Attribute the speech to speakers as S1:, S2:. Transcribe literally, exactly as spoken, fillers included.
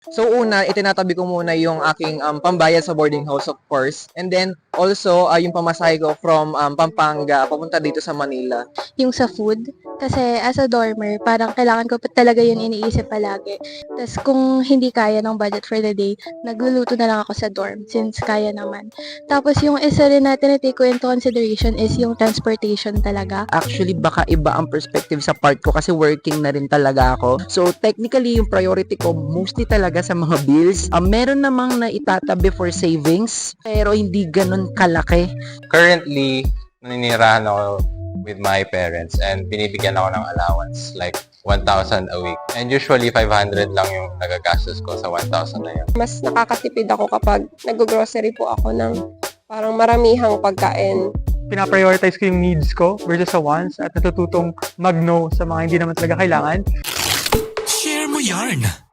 S1: So una, itinatabi ko muna yung aking um, pambayad sa boarding house, of course. And then also uh, yung pamasahe ko from um, Pampanga papunta dito sa Manila.
S2: Yung sa food. Kasi as a dormer, parang kailangan ko pa talaga yun iniisip palagi. Tapos kung hindi kaya ng budget for the day, nagluluto na lang ako sa dorm since kaya naman. Tapos yung isa rin na tinitake ko into consideration is yung transportation talaga.
S3: Actually, baka iba ang perspective sa part ko kasi working na rin talaga ako. So, technically, yung priority ko mostly talaga sa mga bills. Uh, meron namang na itatabi for savings, pero hindi ganun kalaki.
S4: Currently, naninirahan ako with my parents and binibigyan ako ng allowance like one thousand a week. And usually, five hundred lang yung nagagastos ko sa one thousand na yun.
S5: Mas nakakatipid ako kapag nag-grocery po ako ng parang maramihang pagkain.
S6: Pinaprioritize ko yung needs ko versus sa wants at natututong mag-no sa mga hindi naman talaga kailangan.
S7: Share mo yarn!